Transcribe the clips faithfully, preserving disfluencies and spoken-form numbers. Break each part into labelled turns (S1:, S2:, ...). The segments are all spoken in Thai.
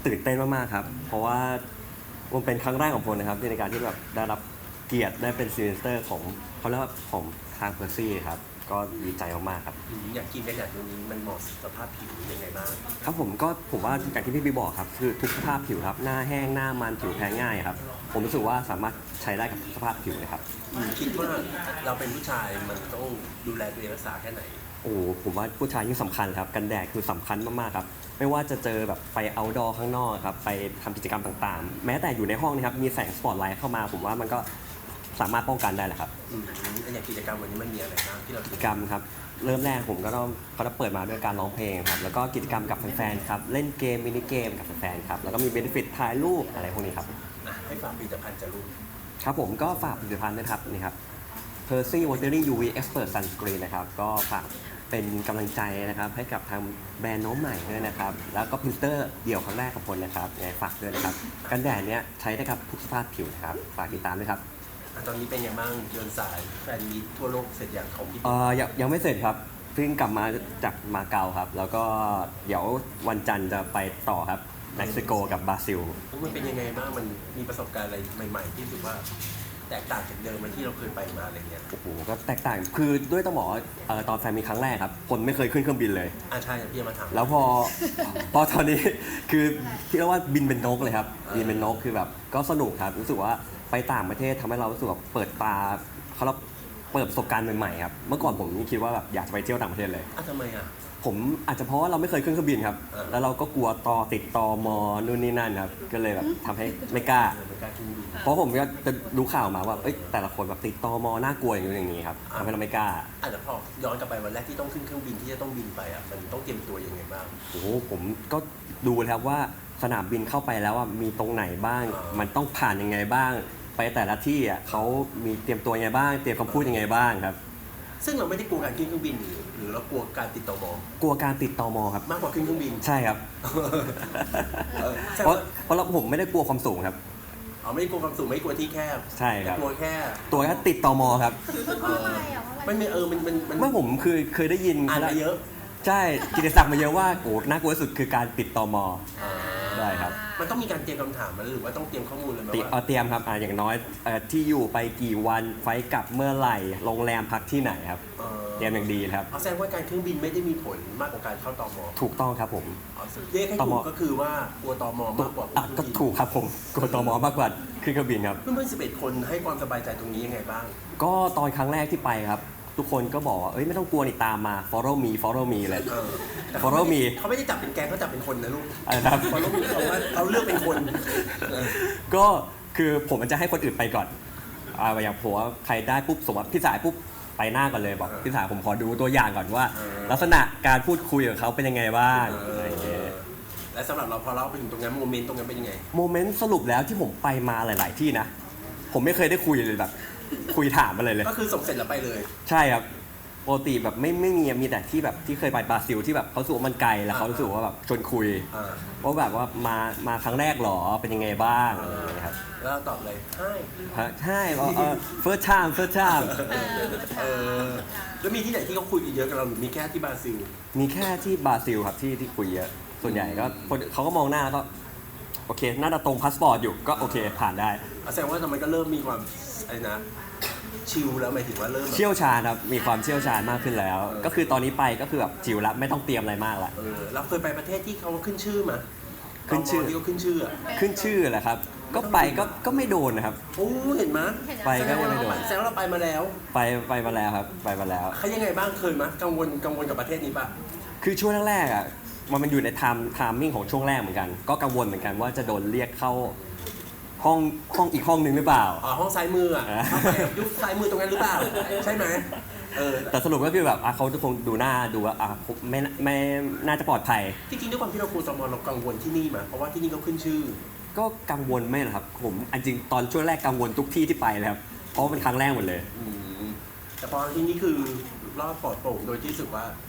S1: ตื่นเต้นมากๆครับเพราะว่ามันเป็นครั้งแรกของผมนะครับในการที่แบบได้รับเกียรติได้เป็นซีเนเตอร์ของเขาเรียกว่าของทางเพอร์ซี่ครับก็ดีใจมากๆครับ
S2: อืมอยากกินกันอย่างตรงนี้มันเหมาะสภาพผิวยังไงบ้าง
S1: ครับผมก็ผมว่าอย่างที่พี่บีบอกครับคือทุกสภาพผิวครับหน้าแห้งหน้ามันผิวแพ้ง่ายครับผมรู้สึกว่าสามารถใช้ได้กับทุกสภาพผิวเลยครับ
S2: อืมคิดว่าเราเป็นผู้ชายมันต้องดูแลตัวเองรักษาแค่ไหน
S1: โอ้ผมว่าผู้ชายยิ่งสำคัญครับกันแดดคือสำคัญมากๆครับไม่ว่าจะเจอแบบไปเอาท์ดอร์ข้างนอกครับไปทำกิจกรรมต่างๆ แม้แต่อยู่ในห้องนะครับมีแสงสปอตไลท์เข้ามาผมว่ามันก็สามารถป้องกันได้แหละครับ
S2: อืมอย่างกิจกรรมวันนี้มันมีอะไรบ้างที่เรา
S1: กิจกรรมครับเริ่มแรกผมก็ต้องเขาจะเปิดมาด้วยการร้องเพลงครับแล้วก็กิจกรรมกับแฟนๆครับเล่นเกมมินิเกมกับแฟนๆครับแล้วก็มีเบนฟิตถ่ายรูปอะไรพวกนี้ครับ
S2: อ่ะให้ฝากผลิตภัณฑ์จะรู้
S1: ครับผมก็ฝากผลิตภัณฑ์ด้วยครับนี่ครับ Percy Watery ยู วี Expert Sunscreen นะครับก็ฝากเป็นกำลังใจนะครับให้กับทางแบรนด์น้องใหม่ด้วยนะครับแล้วก็พรินเตอร์เดี่ยวครั้งแรกของคนนะครับยังไงฝากด้วยนะครับกันแดดเนี้ยใช้ได้กับทุกสภาพผิวนะครับฝากติดตามด้วยครับ
S2: อ่ะตอนนี้เป็นยังบ้างเดินสายแฟนมีตทั่วโลกเสร็จอย่างของพี่
S1: เอ่อยังยังไม่เสร็จครับเพิ่งกลับมาจากมาเก๊าครับแล้วก็เดี๋ยววันจันทร์จะไปต่อครับเม็กซิโกกับบราซิล
S2: มันเป็นยังไงบ้างมันมีประสบการณ์อะไรใหม่ๆที่รู้สึกว่าแตกต่างจากเดิมมันที่เราเคยไปมาอะไรเงี้ย
S1: โอ้โหก็แตกต่างคือด้วยต้องบอกว่าเอ่อตอนแฟนมีครั้งแรกครับคนไม่เคยขึ้นเครื่องบินเลย
S2: อ่าใช่พี่จะมาถาม
S1: แล้วพอ พอตอนนี้คือที่เรียกว่าบินเป็นนกเลยครับบินเป็นนกคือแบบก็สนุกครับรู้สึกว่าไปต่างประเทศทำให้เรารู้สึกแบบเปิดตาเขาเราเปิดประสบการณ์ใหม่ๆครับเมื่อก่อนผมคิดว่าแบบอยากจะไปเที่ยวต่างประเทศเลย
S2: อ่ะทำไมอ่ะ
S1: ผมอาจจะเพราะว่าเราไม่เคยขึ้นเครื่องบินครับแล้วเราก็กลัวตอติดตอมอนู่นนี่นั่นครับก็เลยแบบทำให้ไม่กล้า
S2: ไม่กล้าขึ้นบิน
S1: เพราะผมก็จะรู้ข่าวมาว่าเอ้ยแต่ละคนแบบติดตอมอน่ากลัวอย่างนี้อย่างนี้ครับทำให้เราไม่กล้า
S2: อาจจะพอย้อนกลับไปวันแรกที่ต้องขึ้นเครื่องบินที่จะต้องบินไปอ่ะมันต้องเตรียมตัวยังไงบ้าง
S1: โอ้โหผมก็ดูแล้วว่าสนามบินเข้าไปแล้วมีตรงไหนบ้าง มันต้องผ่านยังไงบ้าง ไปแต่ละที่อ่ะเขามีเตรียมตัวยังไงบ้าง เตรียมคำพูดยังไงบ้างครับ
S2: ซึ่งเราไม่ได้กลัวการขึ้นเครื่องบินหรือหรือเรากลัวการติดต่อม
S1: กลัวการติดตอมอครับ
S2: มากกว่าขึ้นเครื่องบิน
S1: ใช่ครับเพราะเพราะเราผมไม่ได้กลัวความสูงครับ
S2: อ๋อไม่ได้กลัวความสูงไม่กลัวที่แคบ
S1: ใช่ครับ
S2: กลัวแค่
S1: ตัวแค่ติดตอมอครับ
S2: ไม่ไม่เออมันมันมัน
S1: เมื่อผมคือเคยได้ยิน
S2: อ่านมาเยอะ
S1: ใช่กิตติศักดิ์มาเยอะว่าโอ้น่ากลัวที่สุดคือการติดตอมอได้ครับ
S2: มันต้องมีการเตรียมคำถามมันหรือว่าต้องเตรียมข้อมูลเลยไหมว่า
S1: เตรียมครับอ่าอย่างน้อยที่อยู่ไปกี่วันไฟกลับเมื่อไหร่โรงแรมพักที่ไหนครับเตรียมอย่างดีครับ
S2: เอาแสดงว่าการเครื่องบินไม่ได้มีผลมากกว่าการเข้าตม
S1: ถูกต้องครับผม
S2: เรียกให้ถูกก็คือว่ากลัวตมมากกว่า
S1: ก็ถูกครับผมกลัวตมมากกว่าขึ้นเครื่องบินครับ
S2: เพื่อนๆสิบเอ็ดคนให้ความสบายใจตรงนี้ยังไงบ้าง
S1: ก็ตอนครั้งแรกที่ไปครับทุกคนก็บอกว่าเอ้ยไม่ต้องกลัวนี่ตามมา follow me follow me เลย follow me
S2: เขาไม่ได้จับเป็นแกงเขาจับเป็นคนนะลูก
S1: อะไรครับ
S2: follow me เขาว่าเขาเลือกเป็นคน
S1: ก็คือผมมันจะให้คนอื่นไปก่อนอ่าอย่างผมว่าใครได้ปุ๊บสมมติพี่สายปุ๊บไปหน้าก่อนเลยบอกพี่สายผมขอดูตัวอย่างก่อนว่า ลักษณะการพูดคุยกับเขาเป็นยังไงบ้างอะไรอย่างเงี้ย
S2: และสำหรับเราพอเราไปถึงตรงนั้นโมเมนต์ตรงนั้นเป็นยังไง
S1: โมเมนต์สรุปแล้วที่ผมไปมาหลาย ๆ ที่นะผมไม่เคยได้คุยเลยแบบคุยถามอะไรเลย
S2: ก็คือส่งเสร็จแล้วไปเลย
S1: ใช่ครับปกติแบบไม่ไม่มีมีแต่ที่แบบที่เคยไปบราซิลที่แบบเขาสูว่ามันไกลแล้วเขารู้สึกว่าแบบชวนคุยว่าแบบว่ามามาครั้งแรกหรอเป็นยังไงบ้างอะไรอย่างเงี้ยครับ
S2: แล้วตอบเลยใช่
S1: ใช่เออ first time first time
S2: เออแล้วมีที่ไหนที่เขาคุยกันเยอะกับเราหรือมีแค่ที่บราซิล
S1: มีแค่ที่บราซิลครับที่ที่คุยเยอะส่วนใหญ่ก็เขาก็มองหน้าแล้วก็โอเคน่าจะตรงพาสปอร์ตอยู่ก็โอเคผ่านได้
S2: แสดงว่าทำไมก็เริ่มมีความอะไรนะชิลแล้วหมายถึงว่าเริ่ม
S1: เชี่ยวชาญครับมีความเชี่ยวชาญมากขึ้นแล้วก็คือตอนนี้ไปก็คือแบบจิวแล้วไม่ต้องเตรียมอะไรมากละ
S2: เออเราเคยไปประเทศที่เขาขึ้นชื่อมา
S1: ขึ้นชื่อ
S2: ที่เขาขึ้นชื่อ
S1: ขึ้นชื่อแหละครับก็ไปก็ก็ไม่โดนนะครับ
S2: โอ้เห็นไหม
S1: ไปก็ไม่โดน
S2: แสดงว่าเราไปมาแล้ว
S1: ไปไปมาแล้วครับไปมาแล้ว
S2: เขายังไงบ้างเคยไหมกังวลกังวลกับประเทศนี้ป่ะ
S1: คือช่วงแรกๆอ่ะมันมันอยู่ในไทม์ไทม์มิ่งของช่วงแรกเหมือนกันก็กังวลเหมือนกันว่าจะโดนเรียกเข้าห้องห้องอีกห้องหนึ่งหรือเปล่า
S2: อ๋อห้องซ้ายมืออ่ะยุคซ้ายมือตรงนั้นหรือเปล่าใช่ไหมเออ
S1: แต่สรุปก็คือแบบเขาจะคงดูหน้าดูว่าอ่ะไม่ไม่น่าจะปลอดภัย
S2: จริงๆด้วยความที่เรากลัวตมเรากังวลที่นี่มาเพราะว่าที่นี่เขาขึ้นชื่อ
S1: ก็กังวลไม่หรอกครับผมจริงตอนช่วงแรกกังวลทุกที่ที่ไปเลยครับเพราะเป็นครั้งแรกหมดเลย
S2: แต่พอที่นี่คือรอบปลอดโปร่งโดยที่รู้สึกว่า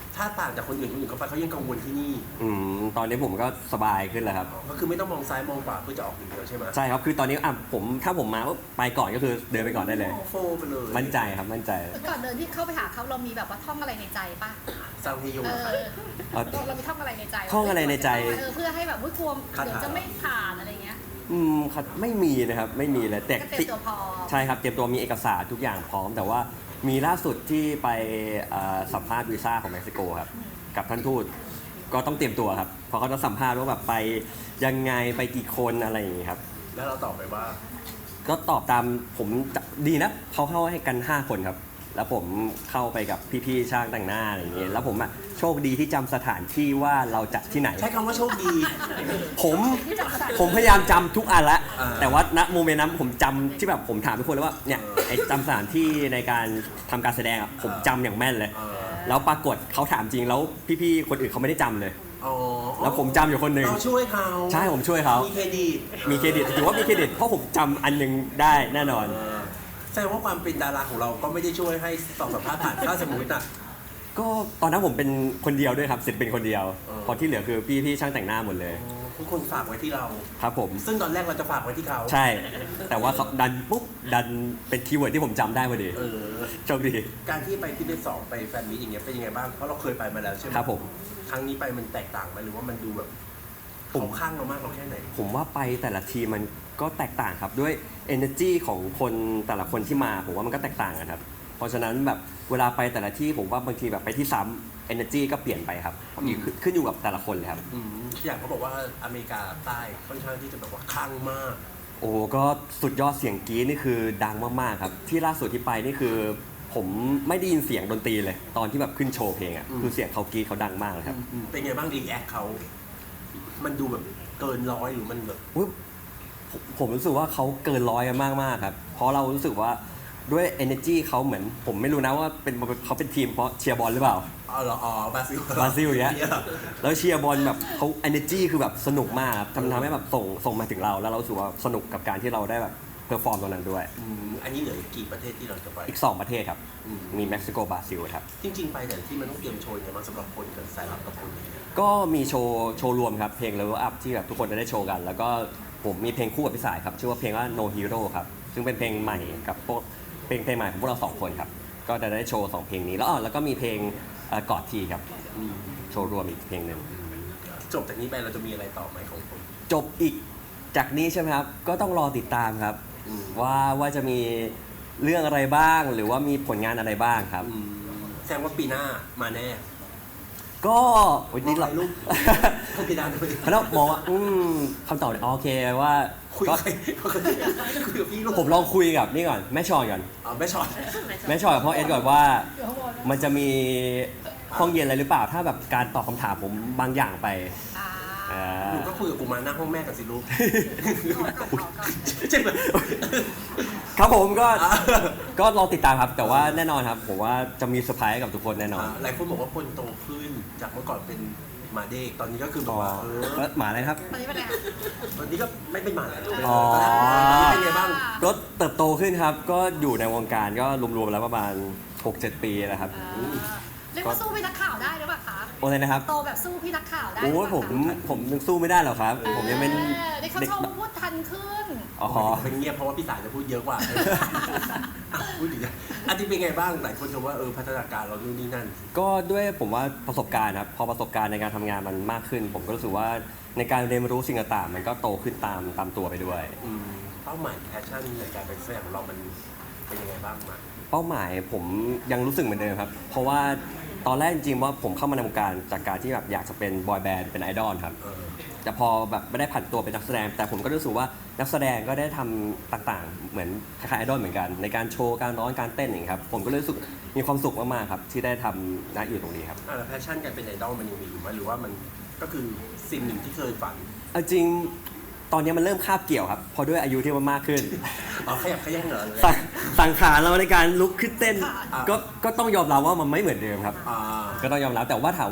S2: ถ้าต่างจากคนอื่นคนอื่นเขาไปเขายังกังวลที่นี่
S1: อืมตอนนี้ผมก็สบายขึ้นแล้วครับ
S2: ก็คือไม่ต้องมองซ้ายมองขวาเพื่อจะออกอย่างเดียวใช่ไหม
S1: ใช่ครับคือตอนนี้อ่ะผมถ้าผมมาปุ๊บไปก่อนก็คือเดินไปก่อนได้เลย
S2: โฟไปเลย
S1: มั่นใจครับมั่นใจ
S3: ก่อนเดินที่เข้าไปหาเขาเรามีแบบว่าท่องอะไรในใจป่ะ
S2: ซาวเฮโย
S3: เอ
S2: อะครับ
S3: อ
S1: เอา
S3: เรามีท่องอะไรในใจ
S1: ท่องอะไรในใจ
S3: เออเพื่อให้แบบว่าทวม
S2: คาถา
S3: เดี๋ยวจะไม่ผ่านอะไรเงี้ย
S1: อืมครับไม่มีนะครับไม่มีเลยแต่
S3: ก็เตรียมตัวพอ
S1: ใช่ครับเตรียมตัวมีเอกสารทุกอย่างพร้อม แต่ว่ามีล่าสุดที่ไปเอ่อสัมภาษณ์วีซ่าของเม็กซิโกครับกับท่านทูตก็ต้องเตรียมตัวครับเพราะเขาจะสัมภาษณ์ว่าแบบไปยังไงไปกี่คนอะไรอย่างงี้ครับ
S2: แล้วเราตอบไปว่า
S1: ก็ตอบตามผมจะดีนะเขาเข้าให้กัน ห้า คนครับ แล้วผมเข้าไปกับพี่ๆช่างแต่งหน้าอะไรอย่างเงี้ยแล้วผมอ่ะโชคดีที่จำสถานที่ว่าเราจัดที่ไหน
S2: ใช้คำว่าโชคดี
S1: ผมผมพยายามจำทุกอันละ
S2: อ่า
S1: แต่ว่าณโมเมนต์นั้นผมจำที่แบบผมถามทุกคนแล้วว่าเนี่ยไอ้จำสถานที่ในการทำการแสดงอะผมจำอย่างแม่นเลย
S2: เออ
S1: แล้วปรากฏเขาถามจริงแล้วพี่ๆคนอื่นเขาไม่ได้จำเลย
S2: อ๋อ
S1: แล้วผมจำอยู่คนหนึ่ง
S2: เราช่วยเขา
S1: ใช่ผมช่วยเขา
S2: มีเครดิต
S1: มีเครดิตถือว่ามีเครดิตเพราะผมจำอันหนึงได้แน่นอน
S2: เออแสดงว่าความเป็นดาราของเราก็ไม่ได้ช่วยให้ตอบสัมภาษณ์ผ่านถ้าสมมติอ่ะ
S1: ก็ตอนนั้นผมเป็นคนเดียวด้วยครับศิลปินคนเดียว
S2: เออ
S1: พอที่เหลือคือพี่ๆช่างแต่งหน้าหมดเลย
S2: ทุกคนฝากไว้ที่เรา
S1: ครับผม
S2: ซึ่งตอนแรกเราจะฝากไว้ที่เขา
S1: ใช่ แต่ว่าเขาดันปุ๊บดันเป็นคีย์เวิร์ดที่ผมจำได้พอดี
S2: เออ
S1: โชคดี
S2: การที่ไปที่เดสองไปแฟนมิตอย่างเงี้ยเป็นยังไงบ้าง เพราะเราเคยไปมาแล้วใช่ไหม
S1: ครับผม
S2: ครั้งนี้ไปมันแตกต่างไหมหรือว่ามันดูแบบ
S1: ผม
S2: เขาข้างเรามากเราแค่ไหน
S1: ผมว่าไปแต่ละทีมมันก็แตกต่างครับด้วย energy ของคนแต่ละคนที่มาผมว่ามันก็แตกต่างกันครับเพราะฉะนั้นแบบเวลาไปแต่ละที่ผมว่าบางทีแบบไปที่ซ้ำ energy ก็เปลี่ยนไปครับ
S2: อืม
S1: ขึ้นขึ้นอยู่กับแต่ละคนเลยครับ
S2: อืมอย่างเขาบอกว่าอเมริกาใต้ค่อนข้างที่จะแบบว่าข้างมาก
S1: โอ้ก็สุดยอดเสียงกรี๊ดนี่คือดังมากๆครับที่ล่าสุดที่ไปนี่คือ ผมไม่ได้ยินเสียงดนตรีเลย ตอนที่แบบขึ้นโชว์เพลงอ่ะ
S2: อืม
S1: คือเสียงเขากรี๊ดเขาดังมากเลยครับ
S2: อืมเป็นไงบ้างรีแอคเขา มันดูแบบเกินร้อยหรือมันแบบ
S1: อุ๊ยผมผมรู้สึกว่าเขาเกินร้อยกันมากมากๆครับ เพราะเรารู้สึกว่าด้วย energy เขาเหมือน ผมไม่รู้นะว่าเป็นเขาเป็นทีมเพราะเชียร์บอลหรือเปล่า
S2: อ๋อเหรออ๋อบราซิล
S1: บราซิลอย่างเงี้ย
S2: นี่หรอ
S1: แล้วเชียร์บอลแบบเขา energy คือแบบสนุกมากครับทำทำให้แบบส่งส่งมาถึงเรา แล้วเรารู้สึกว่าสนุกกับการที่เราได้แบบเพอร์ฟอร์มตรงนั้นด้วย
S2: อืมอันนี้เหลืออีกกี่ประเทศที่เราจะไป
S1: อีกสองประเทศครับ
S2: อืม
S1: มีเม็กซิโกบราซิลครับ
S2: จริง ๆ ไปแต่ละที่มันต้องเตรียมโชว์ยังไงบ้างสำหรับคนกับสายลับกับคน
S1: ก็มีโชว์โชว์รวมครับเพลง Level Up ที่แบบทุกคนจะได้โชว์กัน แล้วก็ผมมีเพลงคู่กับพี่สายครับชื่อว่าเพลงว่า No Hero ครับซึ่งเป็นเพลงใหม่กับพวกเพลงเพลงใหม่ของพวกเราสองคนครับก็จะได้โชว์สองเพลงนี้แล้วอ๋อแล้วก็มีเพลงเอ่อกอดทีครับ
S2: อืม
S1: โชว์รวมอีกเพลงหนึ่ง
S2: จบจากนี้ไปเราจะมีอะไรต่อไหมของผม
S1: จบอีกจากนี้ใช่ไหมครับก็ต้องรอติดตามครับ
S2: อืม
S1: ว่าว่าจะมีเรื่องอะไรบ้าง หรือว่ามีผลงานอะไรบ้างครับ
S2: อืมแสดงว่าปีหน้ามาแน่
S1: ก็โอ้ยนี่เรา
S2: มองใครลูก เขาปีหน้าด้วย
S1: เขาต้องมองว่าอืมคำตอบเนี่ยโอเคว่า
S2: คุย
S1: ก็
S2: กับใครคุยกับพี่ลูก
S1: ผมลองคุยกับนี่ก่อนแม่ชอนก่อน
S2: อ๋อไม่ช็อต
S1: แม่ชอนกับพ่อเอ็ดก่อนว่า มันจะมีห้องเย็นอะไรหรือเปล่า ถ้าแบบการตอบคำถามผมบางอย่างไป
S3: อ่า
S1: อ่า
S2: หนูก็คุยกับกูมาหน้าห้องแม่กันสิลูก
S3: ก่อนก่อนก่อนก่อน
S2: ใช่ไหม
S1: ครับผมก็
S2: อ่า
S1: ก็ลองติดตามครับ แต่ว่าแน่นอนครับ ผมว่าจะมีเซอร์ไพรส์ให้กับทุกคนแน่นอน
S2: หลายคนบอกว่าคนโตขึ้นจากเมื่อก่อนเป็นหมาเด็กตอนนี้ก็คือแบบ
S1: อ๋อ
S2: ว่าเออ
S1: แล้วหมาอะไรครับ
S3: ตอนนี้เป็นไงคะ
S2: ตอนนี้ก็ไม่เป็นหมาแล้ว
S1: อ๋อ
S2: ตอนนี้เป็นไงบ้าง
S1: ก็เติบโตขึ้นครับ ก็อยู่ในวงการก็รวมๆแล้วประมาณ หกเจ็ด ปีแล้วครับ
S3: อ่าเรียกว่าสู้พี่นักข่าวได้หรือเปล่าคะ
S1: โอ้เลยนะครับ
S3: โตแบบสู้พี่นักข่าวได้หรื
S1: โอ้
S3: เป
S1: ย
S3: ล่า
S1: ผม
S3: คะ
S1: ผมยังสู้ไม่ได้หรอกครับ ผมยังเป็น
S3: เออได้เขา
S1: เด็ก
S3: ชมพูดทันขึ้น
S1: อ๋อ
S2: เป็นเงียบเพราะว่าพี่สายจะพูดเยอะกว่าอ่ะพูดดีนะอันนี้เป็นไงบ้างหลายคนชมว่าเออพัฒนาการเรานู่นนี่นั่น
S1: ก็ด้วยผมว่าประสบการณ์ครับพอประสบการณ์ในการทำงานมันมากขึ้น ผมก็รู้สึกว่าในการเรียนรู้สิ่งต่างๆมันก็โตขึ้นตามตามตัวไปด้วย
S2: อืมเป้าหมายแพชชั่นในการเป็นแสดงของเรามันเป็นยังไงบ้างมา
S1: เป้าหมายผมยังรู้สึกเหมือนเดิมครับ เพราะว่าตอนแรกจริงๆว่าผมเข้ามาในวงการจากการที่แบบอยากจะเป็นบอยแบนด์เป็นไอดอลครับ
S2: เออ
S1: แต่พอแบบไม่ได้ผันตัวเป็นนักแสดง แต่ผมก็รู้สึกว่านักแสดงก็ได้ทำต่างๆ เหมือนคล้ายๆไอดอลเหมือนกัน ในการโชว์การร้องการเต้นอย่างเงี้ยครับผมก็เลยรู้สึกมีความสุขมากๆครับที่ได้ทำณอยู่ตรงนี้ครับ
S2: อ่ะแล้วแพชชั่นการเป็นไอดอลมันยังมีอยู่ไหมหรือว่ามันก็คือสิ่งหนึ่งที่เคยฝัน
S1: เอาจริงตอนนี้มันเริ่มคาบเกี่ยวครับเพอด้วยอายุที่มันมากขึ้น
S2: อ๋อขยับขยันเหรอ
S1: สังสังขารเราในการลุกขึ้นเต้น
S2: อ่า
S1: ก็ก็ต้องยอมรับว่ามันไม่เหมือนเดิมครับ
S2: อ่า
S1: ก็ต้องยอมรับแต่ว่าถามว่า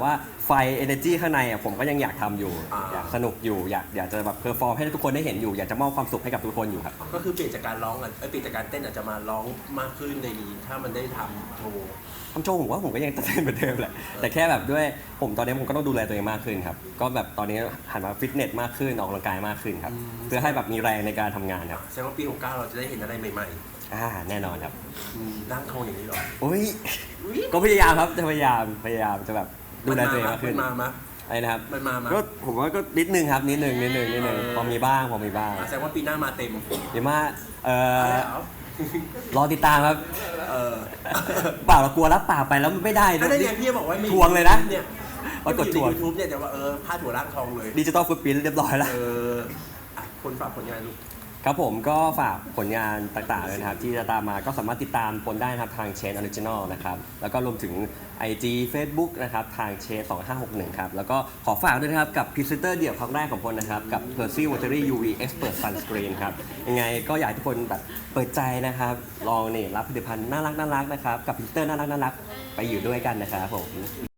S1: ไฟ energy ข้างในอ่ะผมก็ยังอยากทำอยู่
S2: อ่า
S1: อยากสนุกอยู่อยากอยากจะแบบเพอร์ฟอร์มให้ทุกคนได้เห็นอยู่อยากจะมอบความสุขให้กับทุกคนอยู่ครับ
S2: ก็คือเปลี่ยนจากการร้องอ่ะเอ้ยเปลี่ยนจากการเต้นอาจจะมาร้องมากขึ้นในนี้ถ้ามันได้ทำโชว์
S1: ทำโชว์ผมว่าผมก็ยังจะเต้นเหมือนเดิมแหละแต่แค่แบบด้วยผมตอนนี้ผมก็ต้องดูแลตัวเองมากขึ้นครับก็แบบตอนนี้หันมาฟิตเนสมากขึ้นออกกำลังกายมากขึ้นครับเพื่อให้แบบมีแรงในการทำงานครับ
S2: แสดงว่าปีหกเก้าเราจะได้เห็นอะไรใหม่
S1: อ่าแน่นอนครับ
S2: ๆอืมร่างทองอย่างนี้เหรอ
S1: อุ้ยก็พยายามครับจะพยายามพยายามจะแบบดูแลตัวเองมากขึ้น
S2: มันมามา
S1: อะไรนะครับ
S2: มันมามา
S1: ก็ผมว่าก็นิดนึงครับนิดนึงนิดนึงนิดนึง
S2: เออ
S1: พอมีบ้างพอมีบ้าง
S2: แสดงว่าปีหน้ามาเต็ม
S1: เดี๋ยวมาเอ่
S2: อะไร
S1: อ
S2: เหรอ
S1: รอติดตามครับ
S2: เออ
S1: เปล่าเรากลัวรับปากไปแล้วมันไม่ได้
S2: อันนั้นไงพี่บอกว่าไม่
S1: ทวงเลยนะ
S2: เนี่ย
S1: ปรากฏทวง
S2: ยูทูบเนี่ยแต่ว่าเออพาดหัวร่างทองเลย
S1: ดิจิตอลฟุตปรินท์เรียบร้อยแล้ว
S2: เอออ่ะคนฝากผลงานลูก
S1: ครับผมก็ฝากผลงานต่างๆเลยนะครับ ที่จะตามมาก็สามารถติดตามผลได้นะครับทางเชนออริจินอลนะครับ แล้วก็รวมถึง ไอ จี Facebook นะครับ ทางเชนสองห้าหกหนึ่งครับ แล้วก็ขอฝากด้วยนะครับ กับพรีเซนเตอร์เดี่ยวครั้งแรกของพลนะครับ กับ Percy Watery ยู วี Expert Sunscreen ครับ ยังไงก็อยากให้ทุกคนแบบเปิดใจนะครับ ลองนี่รับผลิตภัณฑ์น่ารักน่ารักๆนะครับ กับพรีเซนเตอร์น่ารักน่ารักๆไปอยู่ด้วยกันนะครับผม